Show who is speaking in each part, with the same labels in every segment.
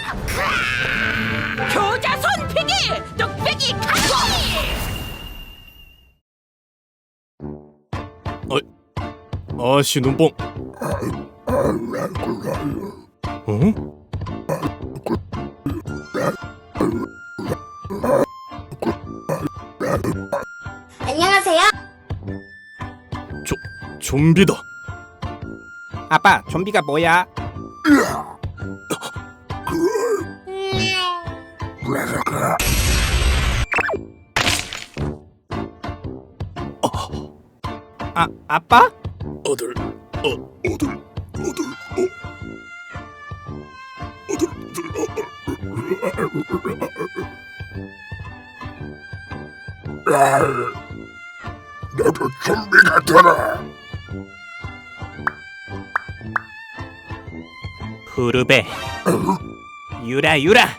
Speaker 1: 효자손 피기 뚝배기 가기.
Speaker 2: 아씨 눈뽕. 어?
Speaker 3: 안녕하세요.
Speaker 2: 좀비다.
Speaker 4: 아빠, 좀비가 뭐야? 아빠?
Speaker 2: 어들.
Speaker 5: 나도 좀비 같아라.
Speaker 4: 후르베 유라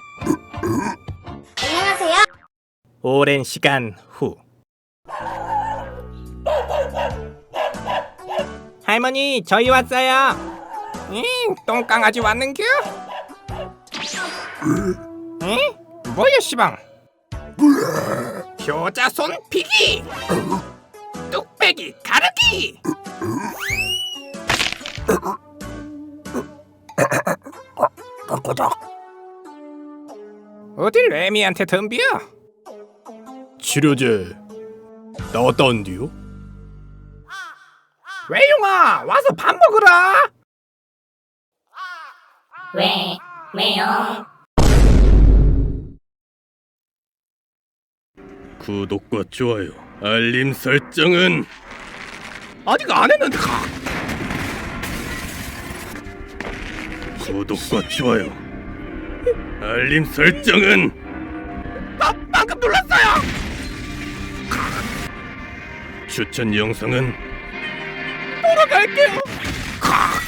Speaker 3: 안녕하세요.
Speaker 4: 오랜 시간 후 할머니 저희 왔어요. 똥강아지 왔는겨? 뭐야 시방? 효자손 피기 뚝배기 가르기. 어딜 레미한테 덤벼?
Speaker 2: 치료제 나왔다는디요?
Speaker 4: 외용아 와서 밥 먹으라.
Speaker 1: 왜요?
Speaker 2: 구독과 좋아요, 알림 설정은
Speaker 4: 아직 안 했는데.
Speaker 2: 구독과 좋아요, 알림 설정은
Speaker 4: 방금 눌렀어요.
Speaker 2: 추천 영상은
Speaker 4: 보러 갈게요.